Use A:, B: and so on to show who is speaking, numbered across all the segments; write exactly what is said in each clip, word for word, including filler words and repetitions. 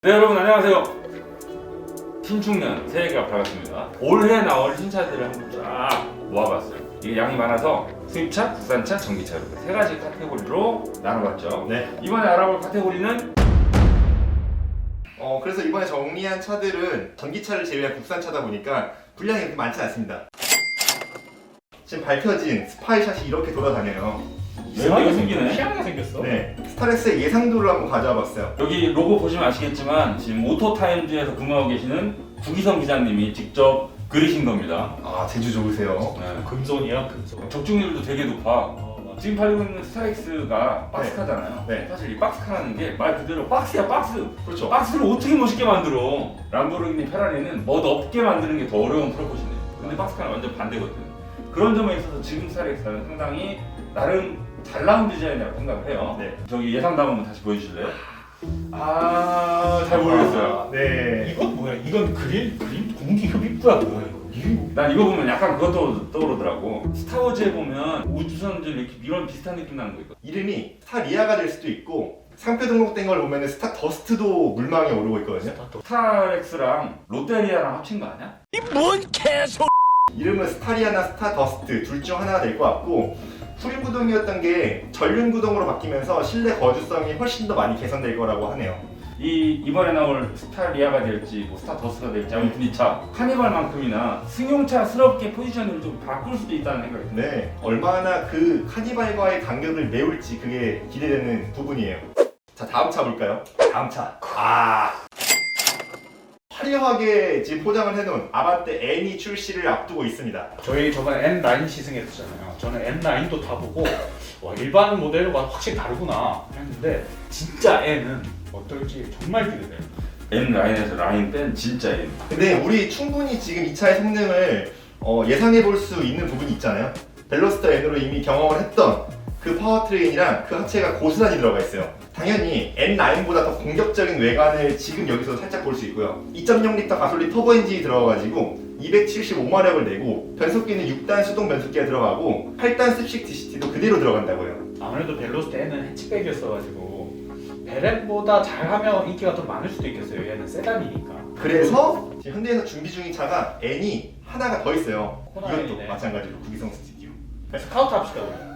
A: 네, 여러분 안녕하세요. 신축년 새해가 밝았습니다. 올해 나올 신차들을 한번 쫙 모아봤어요. 이게 양이 많아서 수입차, 국산차, 전기차 이렇게 세 가지 카테고리로 나눠봤죠.
B: 네.
A: 이번에 알아볼 카테고리는
B: 어 그래서 이번에 정리한 차들은 전기차를 제외한 국산차다 보니까 분량이 그렇게 많지 않습니다. 지금 밝혀진 스파이샷이 이렇게 돌아다녀요.
A: 이상하게 생기네.
C: 희한하게 생겼어.
B: 네. 스타렉스의 예상도를 한번 가져와 봤어요.
A: 여기 로고 보시면 아시겠지만 지금 오토타임즈에서 근무하고 계시는 구기성 기자님이 직접 그리신 겁니다.
B: 아 제주 좋으세요.
A: 네.
C: 금손이야, 금손.
A: 적중률도 되게 높아.
C: 어, 맞아.
A: 지금 팔리고 있는 스타렉스가 박스카잖아요.
B: 네.
A: 사실 이 박스카라는 게 말 그대로 박스야 박스.
B: 그렇죠.
A: 박스를 어떻게 멋있게 만들어? 람보르기니 페라리는 멋 없게 만드는 게 더 어려운 프로포션이에요. 근데 박스카는 완전 반대거든. 그런 점에 있어서 지금 스타렉스는 상당히 나름 잘 나온 디자인이라고 생각을 해요.
B: 네.
A: 저기 예상담 한번 다시 보여주실래요? 아, 잘 모르겠어요.
B: 네.
C: 이건 뭐야? 이건 그린 그린 공기 흡입구야 뭐야 이거? 이거
A: 난 이거 보면 약간 그것도 떠오르더라고. 스타워즈에 보면 우주선들 이렇게 이런 비슷한 느낌 나는 거 있거든.
B: 이름이 스타리아가 될 수도 있고 상표 등록된 걸 보면 스타 더스트도 물망에 오르고 있거든요.
A: 스타렉스랑 롯데리아랑 합친 거 아니야?
B: 이름은 스타리아나 스타 더스트 둘 중 하나가 될 것 같고 후륜 구동이었던 게 전륜 구동으로 바뀌면서 실내 거주성이 훨씬 더 많이 개선될 거라고 하네요.
A: 이 이번에 나올 스타리아가 될지 뭐 스타더스가 될지 아무튼 이 차 카니발만큼이나 승용차스럽게 포지션을 좀 바꿀 수도 있다는 생각이 듭니다.
B: 네, 얼마나 그 카니발과의 간격을 메울지 그게 기대되는 부분이에요. 자, 다음 차 볼까요? 다음 차. 아, 화려하게 지금 포장을 해놓은 아반떼 N이 출시를 앞두고 있습니다.
C: 저희 저번에 엔 나인 시승했잖아요. 저는 엔 나인도 타보고 와 일반 모델과 확실히 다르구나 했는데 진짜 N은 어떨지 정말 기대돼요.
A: N 라인에서 라인 뺀 진짜 N.
B: 근데 우리 충분히 지금 이 차의 성능을 어, 예상해 볼 수 있는 부분이 있잖아요. 벨로스터 N으로 이미 경험을 했던 그 파워트레인이랑 그 하체가 고스란히 들어가 있어요. 당연히 엔 나인보다 더 공격적인 외관을 지금 여기서 살짝 볼 수 있고요. 이 점 영 리터 가솔린 터보 엔진이 들어가가지고 이백칠십오 마력을 내고 변속기는 육 단 수동 변속기가 들어가고 팔 단 습식 디시티도 그대로 들어간다고요.
C: 아무래도 벨로스트 N은 해치백이었어가지고 베렌보다 잘하면 인기가 더 많을 수도 있겠어요. 얘는 세단이니까.
B: 그래서 지금 현대에서 준비 중인 차가 N이 하나가 더 있어요.
C: 코나
B: 이것도
C: N이네.
B: 마찬가지로 구기성 스튜디오.
C: 스카우트 합시다 우리.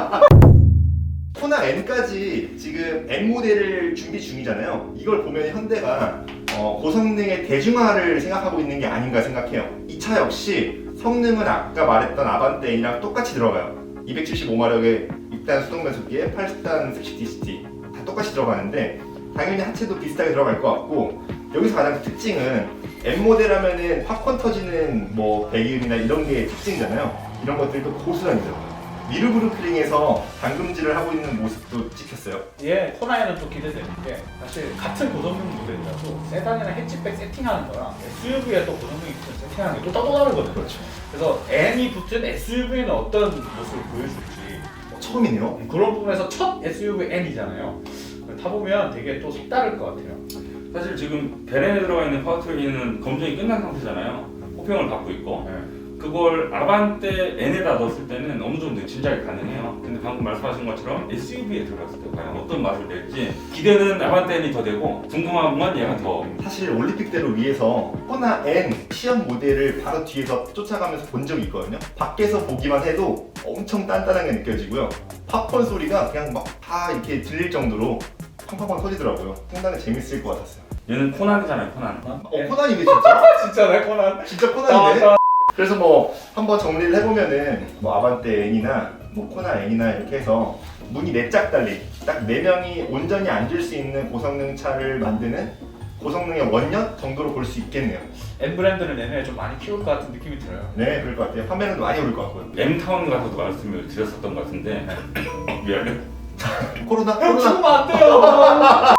B: 코나 N까지 지금 N 모델을 준비 중이잖아요. 이걸 보면 현대가 어, 고성능의 대중화를 생각하고 있는 게 아닌가 생각해요. 이 차 역시 성능은 아까 말했던 아반떼 N이랑 똑같이 들어가요. 이백칠십오 마력의 육 단 수동 변속기에 팔 단 습식 디시티 다 똑같이 들어가는데 당연히 하체도 비슷하게 들어갈 것 같고 여기서 가장 큰 특징은 N 모델 하면은 팝콘 터지는 뭐 배기음이나 이런 게 특징이잖아요. 이런 것들도 고스란히 들어가요. 미르브루클링에서 당금질을 하고 있는 모습도 찍혔어요.
C: 얘 코나에는 또 기대되는 게 사실 같은 고성능 모델이라도 세단이나 해치백 세팅하는 거랑 에스유브이에 또 고성능이 붙은 세팅하는 게 또 따로 다르거든요.
B: 그렇죠.
C: 그래서 N이 붙은 에스유브이는 어떤 모습을 보여줄지
B: 처음이네요.
C: 그런 부분에서 첫 에스유브이 N이잖아요. 타보면 되게 또 색다를 것 같아요.
A: 사실 지금 베렌에 들어가 있는 파워트레인은 검증이 끝난 상태잖아요. 호평을 받고 있고
C: 네.
A: 그걸 아반떼 N에다 넣었을 때는 어느 정도 진작에 가능해요. 근데 방금 말씀하신 것처럼 에스유브이에 들어갔을 때 과연 어떤 맛을 낼지 기대는 아반떼 N이 더 되고 궁금한 건 얘가 더.
B: 사실 올림픽대로 위에서 코나 N 시험 모델을 바로 뒤에서 쫓아가면서 본 적이 있거든요. 밖에서 보기만 해도 엄청 단단하게 느껴지고요. 팝콘 소리가 그냥 막 다 이렇게 들릴 정도로 팡팡팡 터지더라고요. 상당히 재밌을 것 같았어요.
A: 얘는 코난이잖아요, 코난.
B: 어, 코난이네 진짜?
C: 진짜 내 코난.
B: 진짜 코난이네? 그래서 뭐 한번 정리를 해보면은 뭐 아반떼 N이나 뭐 코나 N이나 이렇게 해서 문이 네 짝 달린 딱 네 명이 온전히 앉을 수 있는 고성능 차를 만드는 고성능의 원년 정도로 볼 수 있겠네요.
C: N 브랜드는 내년에 좀 많이 키울 것 같은 느낌이 들어요.
B: 네, 그럴 것 같아요. 판매량도 많이 오를 것 같고요.
A: M타운 가서도 말씀을 드렸었던 것 같은데 미안해.
B: 코로나?
C: 형
B: 코로나?
C: 죽으면 안 돼요.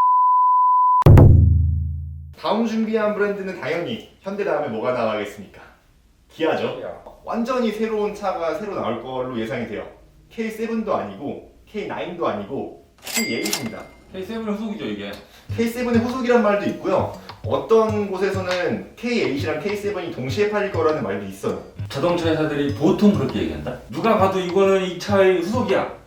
B: 다음 준비한 브랜드는 당연히 현대 다음에 뭐가 나가겠습니까? 기아죠. 완전히 새로운 차가 새로 나올 걸로 예상이 돼요. 케이 세븐도 아니고 케이 나인도 아니고 케이 에잇입니다.
A: 케이 세븐의 후속이죠 이게.
B: 케이 세븐의 후속이란 말도 있고요. 어떤 곳에서는 케이 에잇이랑 케이 세븐이 동시에 팔릴 거라는 말도 있어요.
A: 자동차 회사들이 보통 그렇게 얘기한다. 누가 봐도 이거는 이 차의 후속이야.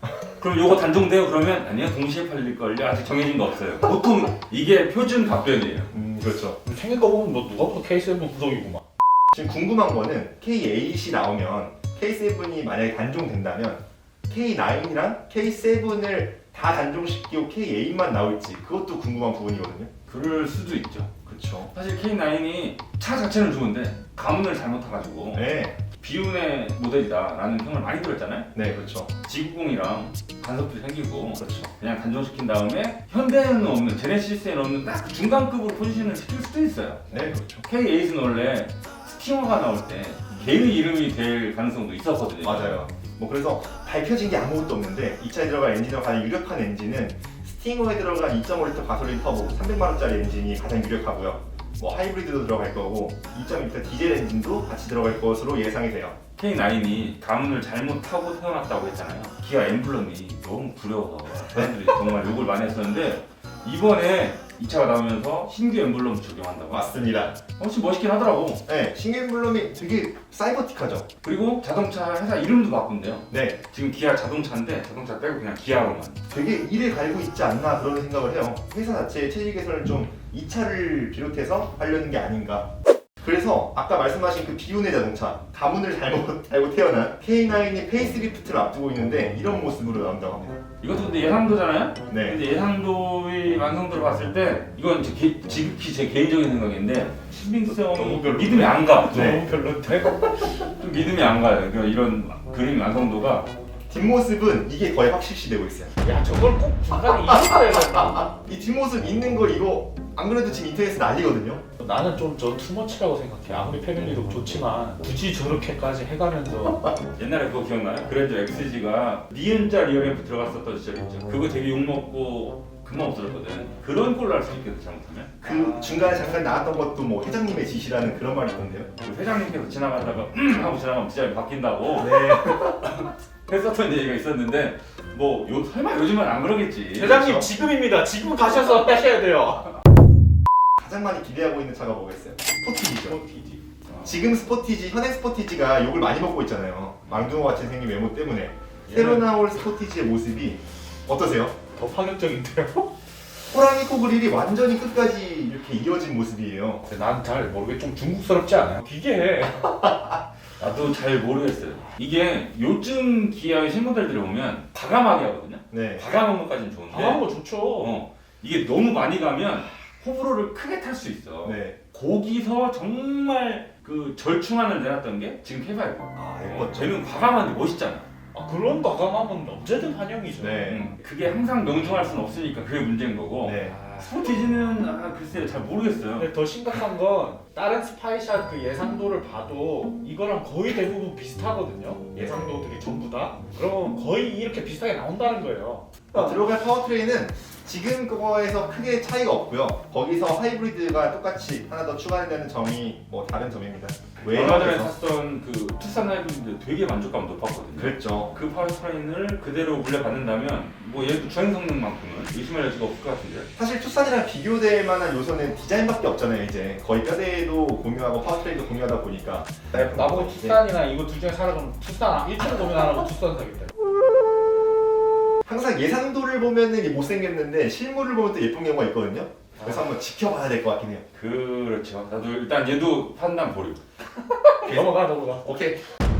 A: 그럼 요거 단종돼요? 그러면 아니요, 동시에 팔릴걸요. 아직 정해진 거 없어요. 보통 이게 표준 답변이에요.
B: 음 그렇죠.
C: 생긴 거 보면 뭐 누가 봐도 케이 세븐 구독이구만.
B: 지금 궁금한 거는 케이 에잇이 나오면 케이 세븐이 만약에 단종된다면 케이 나인이랑 케이 세븐을 다 단종시키고 케이 에잇만 나올지 그것도 궁금한 부분이거든요.
A: 그럴 수도 있죠.
B: 그렇죠.
A: 사실 케이 나인이 차 자체는 좋은데 가문을 잘못 타가지고
B: 네,
A: 비운의 모델이다라는 평을 많이 들었잖아요.
B: 네 그렇죠.
A: 지구공이랑 간섭도 생기고
B: 그렇죠.
A: 그냥 단종시킨 다음에 현대에는 없는 제네시스에는 없는 딱 그 중간급으로 포지션을 시킬 수도 있어요.
B: 네 그렇죠.
A: 케이 에잇은 원래 스팅어가 나올 때 개의 이름이 될 가능성도 있었거든요.
B: 맞아요. 뭐 그래서 밝혀진 게 아무것도 없는데 이 차에 들어갈 엔진으로 가장 유력한 엔진은 스팅어에 들어간 이 점 오 리터 가솔린 터보 삼백만 원짜리 엔진이 가장 유력하고요. 뭐 하이브리드도 들어갈 거고 이 점 이 리터 디젤 엔진도 같이 들어갈 것으로 예상이 돼요.
A: 케이 나인이 가문을 잘못 타고 태어났다고 했잖아요. 기아 엠블럼이 너무 구려워서 사람들이 정말 욕을 많이 했었는데 이번에 이 차가 나오면서 신규 엠블럼 적용한다고.
B: 맞습니다.
A: 훨씬 멋있긴 하더라고.
B: 네, 신규 엠블럼이 되게 사이버틱하죠.
A: 그리고 자동차 회사 이름도 바꾼대요.
B: 네,
A: 지금 기아 자동차인데 자동차 빼고 그냥 기아로만.
B: 되게 일을 갈고 있지 않나 그런 생각을 해요. 회사 자체의 체질 개선을 좀 이 차를 비롯해서 하려는 게 아닌가. 그래서 아까 말씀하신 그 비운의 자동차, 가문을 잘못 달고 태어난 케이 나인이 페이스리프트를 앞두고 있는데 이런 모습으로 나온다고 합니다.
A: 이것도 근데 예상도잖아요?
B: 네,
A: 근데 예상도의 완성도를 봤을 때 이건 제 개, 지극히 제 개인적인 생각인데 신빙성이
C: 너무 별로.
A: 믿음이 안 가.
B: 네.
C: 너무 별론데.
A: 좀 믿음이 안 가요. 그러니까 이런 그림 완성도가
B: 뒷모습은 이게 거의 확실시되고 있어요.
C: 야 저걸 꼭 중간에 이어야 된다.
B: 이 뒷모습 있는 거 이거 안 그래도 지금 인터넷에 난리거든요.
C: 나는 좀 저 투머치라고 생각해. 아무리 패밀리도 좋지만 굳이 저렇게까지 해가면서
A: 옛날에 그거 기억나요? 그랜저 엑스지가 니은자 리어램프 들어갔었던 시절 있죠. 그거 되게 욕먹고 금방 없어졌거든. 그런 꼴로 할 수 있겠다 잘못하면.
B: 그 중간에 잠깐 나왔던 것도 뭐 회장님의 지시라는 그런 말이 있던데요.
A: 그 회장님께서 지나가다가 음 하고 지나가면 디자인이 바뀐다고
B: 네.
A: 했었던 얘기가 있었는데 뭐 요, 설마 요즘은 안 그러겠지.
C: 회장님
B: 그렇죠.
C: 지금입니다. 지금 가셔서 하셔야 돼요.
B: 가장 많이 기대하고 있는 차가 뭐겠어요? 스포티지죠.
C: 스포티지.
B: 지금 스포티지, 현행 스포티지가 욕을 많이 먹고 있잖아요. 망둥어 같이 생긴 외모 때문에. 새로 나올 스포티지의 모습이 어떠세요?
C: 더 파격적인데요?
B: 호랑이 코 그릴이 완전히 끝까지 이렇게 이어진 모습이에요.
C: 난 잘 모르게 좀 중국스럽지 않아요? 기괴해.
A: 나도 잘 모르겠어요. 이게 요즘 기아의 신모델들을 보면 과감하게 하거든요.
B: 네.
A: 과감한 것까지는 좋은데
C: 당한 거 좋죠.
A: 어, 이게 너무 많이 가면 호불호를 크게 탈 수 있어.
B: 네.
A: 거기서 정말 그 절충안을 내놨던 게 지금 케이 파이브.
B: 아,
A: 어,
B: 예뻤죠.
A: 쟤는 과감한데 멋있잖아.
C: 아, 그런 과감함은 언제든 환영이죠.
B: 네.
A: 음, 그게 항상 명중할 수는 없으니까 그게 문제인 거고.
B: 네.
C: 아,
A: 스포티지는 아, 글쎄요 잘 모르겠어요.
C: 근데 더 심각한 건 다른 스파이샷 그 예상도를 봐도 이거랑 거의 대부분 비슷하거든요. 예상도들이 전부 다. 그러면 거의 이렇게 비슷하게 나온다는 거예요.
B: 어, 들어갈 파워트레인은 지금 그거에서 크게 차이가 없고요. 거기서 하이브리드가 똑같이 하나 더 추가된다는 점이 뭐 다른 점입니다.
A: 얼마 전에
B: 외형에서
A: 샀던 그 투싼 하이브리드 되게 만족감 높았거든요.
B: 그랬죠.
A: 그 파워트레인을 그대로 물려받는다면 뭐 얘도 주행 성능만큼은 의심할 여지가 없을 것 같은데.
B: 사실 투싼이랑 비교될 만한 요소는 디자인밖에 없잖아요. 이제 거의 뼈대도 공유하고 파워트레인도 공유하다 보니까
C: 나보고 투싼이나 이거 둘 중에 사라 그러면 투싼 일 등 고민 안 하고 투싼 사겠다.
B: 항상 예상도를 보면은 이게 못생겼는데 실물을 보면 또 예쁜 경우가 있거든요. 그래서 한번 지켜봐야 될 것 같긴 해요.
A: 그렇죠. 나도 일단 얘도 판단 보류.
C: 넘어가 넘어가.
B: 오케이.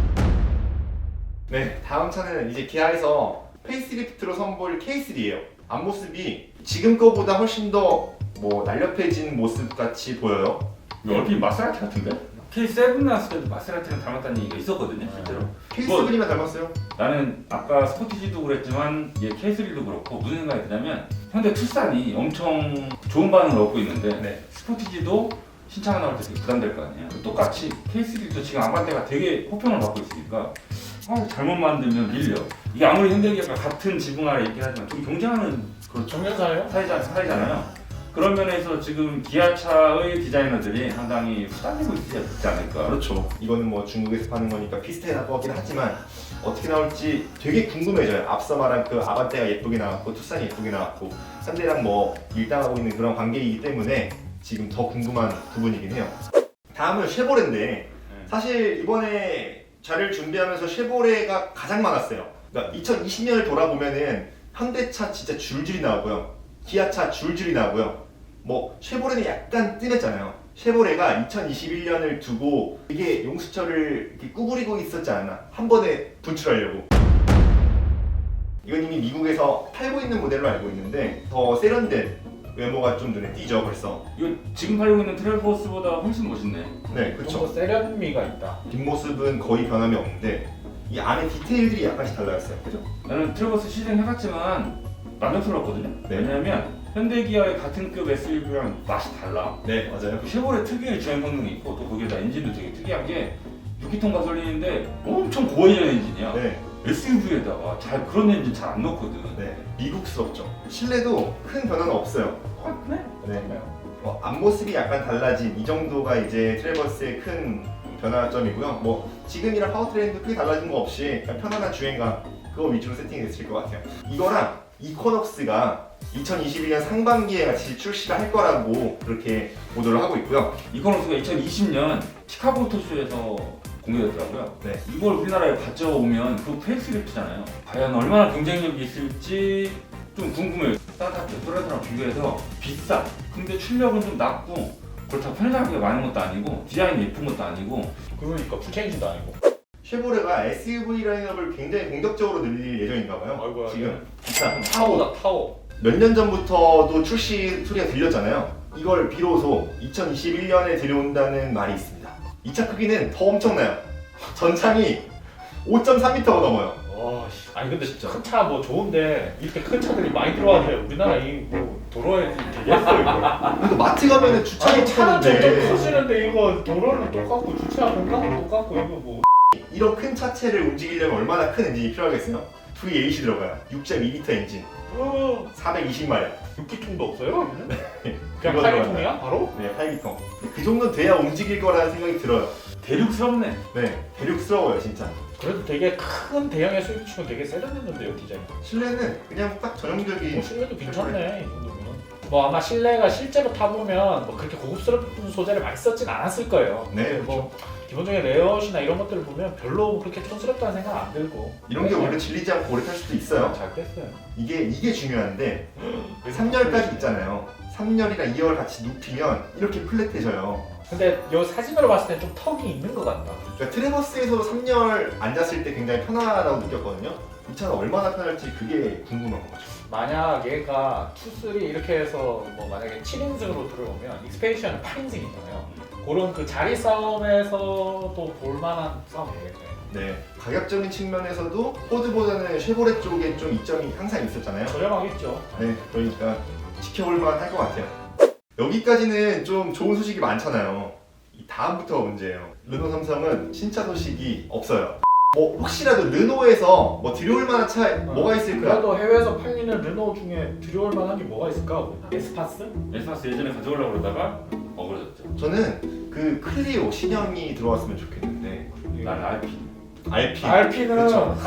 B: 네, 다음 차는 이제 기아에서 페이스리프트로 선보일 케이 쓰리예요. 앞모습이 지금 거보다 훨씬 더 뭐 날렵해진 모습 같이 보여요.
A: 이거 얼핏 마세라티 같은데? 케이 세븐 나왔을 때도 마세라티랑 닮았다는 얘기가 있었거든요, 실제로.
B: 케이
A: 뭐-
B: 세븐이만 닮았어요.
A: 나는 아까 스포티지도 그랬지만 얘 케이 쓰리도 그렇고 무슨 생각이 드냐면 현대 투싼이 엄청 좋은 반응을 얻고 있는데
B: 네.
A: 스포티지도 신차가 나올 때 되게 부담될 거 아니에요. 똑같이 케이 쓰리도 지금 아반떼가 되게 호평을 받고 있으니까 아, 잘못 만들면 밀려. 이게 아무리 현대기아가 같은 지붕 아래 있긴 하지만 좀 경쟁하는 그런
C: 정면사예요?
A: 사이자, 사이잖아요. 그런 면에서 지금 기아차의 디자이너들이 상당히 후달리고 있지 않을까.
B: 그렇죠. 이거는 뭐 중국에서 파는 거니까 비슷해 나올 것 같긴 하지만 어떻게 나올지 되게 궁금해져요. 앞서 말한 그 아반떼가 예쁘게 나왔고 투싼이 예쁘게 나왔고 현대랑 뭐 일당하고 있는 그런 관계이기 때문에 지금 더 궁금한 부분이긴 해요. 다음은 쉐보레인데 사실 이번에 자료를 준비하면서 쉐보레가 가장 많았어요. 그러니까 이천이십 년을 돌아보면은 현대차 진짜 줄줄이 나오고요. 기아차 줄줄이 나오고요. 뭐 쉐보레는 약간 뜸했잖아요. 쉐보레가 이천이십일 년을 두고 이게 용수철을 이렇게 구부리고 있었지 않나. 한 번에 분출하려고. 이건 이미 미국에서 팔고 있는 모델로 알고 있는데 더 세련된 외모가 좀 눈에 띄죠 벌써.
A: 이거 지금 팔고 있는 트레버스보다 훨씬 멋있네.
B: 네,
C: 좀
B: 그렇죠.
C: 더 세련미가 있다.
B: 뒷모습은 거의 변함이 없는데 이 안에 디테일들이 약간씩 달라졌어요. 그죠?
A: 나는 트레버스 시승해봤지만 만족스러웠거든요.
B: 네.
A: 왜냐면 현대기아의 같은 급 에스유브랑 맛이 달라.
B: 네, 맞아요.
A: 그 쉐보레 특유의 주행 성능이 있고 또 거기에다 엔진도 되게 특이한 게 육 기통 가솔린인데 엄청 고해진 엔진이야.
B: 네,
A: 에스유브이에다가 잘 그런 엔진 잘 안 넣거든.
B: 네, 미국스럽죠. 실내도 큰 변화는 없어요.
A: 똑같네.
B: 네. 뭐 앞모습이 약간 달라진 이 정도가 이제 트레버스의 큰 변화점이고요. 뭐 지금이랑 파워트레인도 크게 달라진 거 없이 그냥 편안한 주행감 그거 위주로 세팅됐을 것 같아요. 이거랑 이코넉스가 이천이십일 년 상반기에 같이 출시를 할 거라고 그렇게 보도를 하고 있고요.
A: 이코노스가 이천이십 년 시카고 모터쇼에서 공개됐더라고요.
B: 네.
A: 이걸 우리나라에 가져오면 그 페이스리프트잖아요. 과연 얼마나 경쟁력이 있을지 좀 궁금해요. 따뜻하게 또래들랑 비교해서 비싸. 근데 출력은 좀 낮고 그렇다고 편의장비가 많은 것도 아니고 디자인이 예쁜 것도 아니고
C: 그러니까 풀체인지도 아니고.
B: 쉐보레가 에스유브이 라인업을 굉장히 공격적으로 늘릴 예정인가 봐요.
C: 아이고야,
B: 지금 기차 타워
C: 타워다 타워.
B: 몇 년 전부터도 출시 소리가 들렸잖아요. 이걸 비로소 이천이십일 년에 들여온다는 말이 있습니다. 이 차 크기는 더 엄청나요. 전창이 오 점 삼 미터가 넘어요.
C: 와, 씨. 아니 근데
B: 진짜.
C: 큰 차 뭐 좋은데 이렇게 큰 차들이 많이 들어와서 우리나라 이뭐 도로에 되겠어 이거.
B: 그래도 마트 가면은 주차기
C: 아니 차는 점점
B: 차는데
C: 커지는데 이거 도로는 똑같고 주차 공간은 똑같고 이거 뭐.
B: 이런 큰 차체를 움직이려면 얼마나 큰 엔진이 필요하겠어요? 브이 에잇이 들어가요. 육 점 이 리터 엔진,
C: 어,
B: 사백이십 마력.
C: 육 기통도 없어요? 여기는? 그냥
B: 그거
C: 팔
B: 들어가요.
C: 기통이야 바로?
B: 네, 팔 기통. 그 정도 돼야 움직일 거라는 생각이 들어요.
A: 대륙스럽네.
B: 네, 대륙스러워요 진짜.
C: 그래도 되게 큰 대형의 수입 치고 되게 세련됐는데요 디자인.
B: 실내는 그냥 딱 전형적인
C: 뭐 실내도 괜찮네 이 정도면. 뭐 아마 실내가 실제로 타보면 뭐 그렇게 고급스러운 소재를 많이 썼진 않았을 거예요.
B: 네,
C: 근데 뭐 기본적인 레이아웃이나 이런 것들을 보면 별로 그렇게 촌스럽다는 생각 안 들고.
B: 이런 게 원래 질리지 않고 오래 탈 수도 있어요.
C: 잘 됐어요.
B: 이게 이게 중요한데 삼 열까지 있잖아요. 삼 열이랑 이 열 같이 눕히면 이렇게 플랫해져요.
C: 근데 이 사진으로 봤을 때 좀 턱이 있는 것 같다.
B: 그러니까 트레버스에서 삼 열 앉았을 때 굉장히 편하다고 느꼈거든요. 이 차가 얼마나 편할지 그게 궁금한 거죠.
C: 만약 얘가 투, 쓰리 이렇게 해서 뭐 만약에 칠 인승으로 들어오면 익스페디션은 팔 인승이잖아요. 그런 그 자리 싸움에서도 볼만한 싸움 되겠네요.
B: 네, 가격적인 측면에서도 포드보다는 쉐보레 쪽에 좀 이점이 항상 있었잖아요.
C: 저렴하겠죠.
B: 네, 그러니까 지켜볼만 할 것 같아요. 여기까지는 좀 좋은 소식이 많잖아요. 이 다음부터가 문제예요. 르노 삼성은 신차 소식이 없어요. 뭐 혹시라도 르노에서 뭐 들여올 만한 차 뭐가 있을까?
C: 그래도 해외에서 팔리는 르노 중에 들여올 만한 게 뭐가 있을까? 에스파스?
A: 에스파스 예전에 가져오려고 그러다가 어그러졌죠.
B: 저는 그 클리오 신형이 들어왔으면 좋겠는데
A: 난 알피.
B: 알피.
C: 알피는
B: 그렇죠.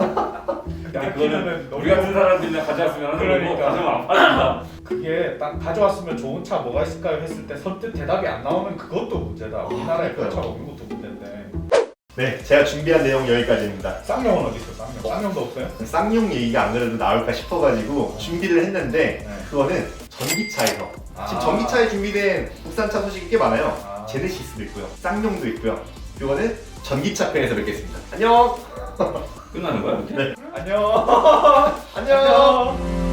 A: 근데 그거는 우리 같은 사람들이 가져왔으면
C: 그러니까.
A: 가져오면 안 팔린다.
C: 그게 딱 가져왔으면 좋은 차 뭐가 있을까요? 했을 때 선뜻 대답이 안 나오면 그것도 문제다. 우리나라에 그런 차가 없는 것도 문제인데.
B: 네, 제가 준비한 내용 여기까지입니다.
C: 쌍용은 어디 있어? 쌍용. 쌍용도 없어요?
B: 쌍용 얘기가 안 그래도 나올까 싶어가지고 준비를 했는데
C: 네.
B: 그거는 전기차에서
C: 아.
B: 지금 전기차에 준비된 국산차 소식이 꽤 많아요.
C: 아.
B: 제네시스도 있고요, 쌍용도 있고요. 그거는 전기차 편에서 뵙겠습니다. 안녕.
A: 끝나는 거야? 이렇게?
B: 네.
C: 안녕.
B: 안녕.